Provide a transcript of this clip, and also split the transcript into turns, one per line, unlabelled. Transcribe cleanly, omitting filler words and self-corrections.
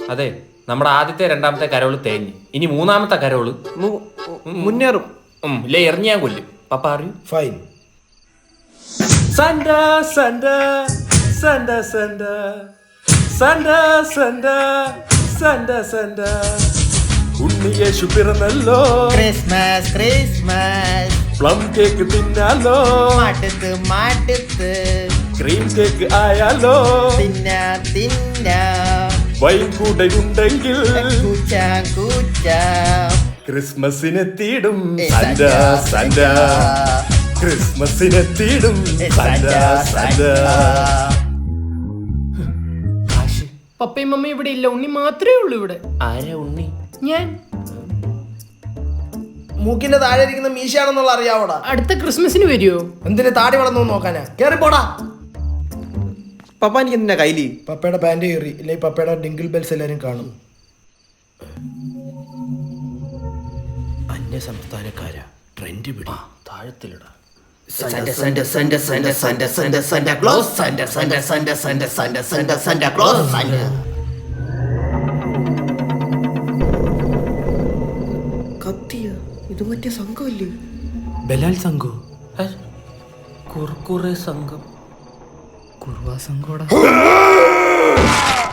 അതെ, നമ്മുടെ ആദ്യത്തെ രണ്ടാമത്തെ കരോള് തേഞ്ഞ്, ഇനി മൂന്നാമത്തെ കരോള്
മുന്നേറും.
ഇല്ലേ എറിഞ്ഞാൻ കൊല്ലും. പപ്പ അറിയൂ.
Fine.
Santa Santa Santa Santa Santa Santa Santa Santa ഉണ്ണിയേശു പിറന്നല്ലോ,
ക്രിസ്മസ് ക്രിസ്മസ്
പ്ലം കേക്ക് തിന്നാലോ,
മടുത്ത് മടുത്ത്
ക്രീം കേക്ക് ആയാലോ,
തിന്ന തിന്ന
വൈൻ കൂടെ ഉണ്ടെങ്കിൽ
കൂച്ച കൂച്ച
ക്രിസ്മസിനെത്തിയിടും സണ്ട സണ്ട, ക്രിസ്മസിനെത്തിയിടും സണ്ട സണ്ട.
പപ്പയും മമ്മയും ഇവിടെ ഇല്ല, ഉണ്ണി മാത്രമേ ഉള്ളൂ ഇവിടെ.
ആരാ ഉണ്ണി?
ഞാൻ
മൂക്കിന്റെ താഴെ ഇരിക്കുന്ന മീശയാണെന്നുള്ള അറിയാവോടാ?
അടുത്ത ക്രിസ്മസിന് വരുമോ?
എന്തിന് താടി വളർന്നു നോക്കാനാ? കേറിപ്പോടാ.
പപ്പ എനിക്ക് എന്തിനാ കയ്യില്?
പപ്പയുടെ പാന്റ് കയറി, ഇല്ലെങ്കിൽ പപ്പയുടെ ഡിങ്കിൾ ബെൽസ് എല്ലാരും കാണും.
അന്യ സംസ്ഥാനക്കാരാ, ട്രെൻഡ് പിടി, താഴത്തിലിടാ.
Santa Santa Santa Santa Santa Santa Santa Claus Santa Santa Santa Santa Santa Santa Santa Claus Santa.
കത്തിയ ഇത് മറ്റേ സംഘമല്ലേ?
ബലാൽ സംഘോ? കുർക്കുറെ സംഘം.
കുർവാ സംഘോടാ.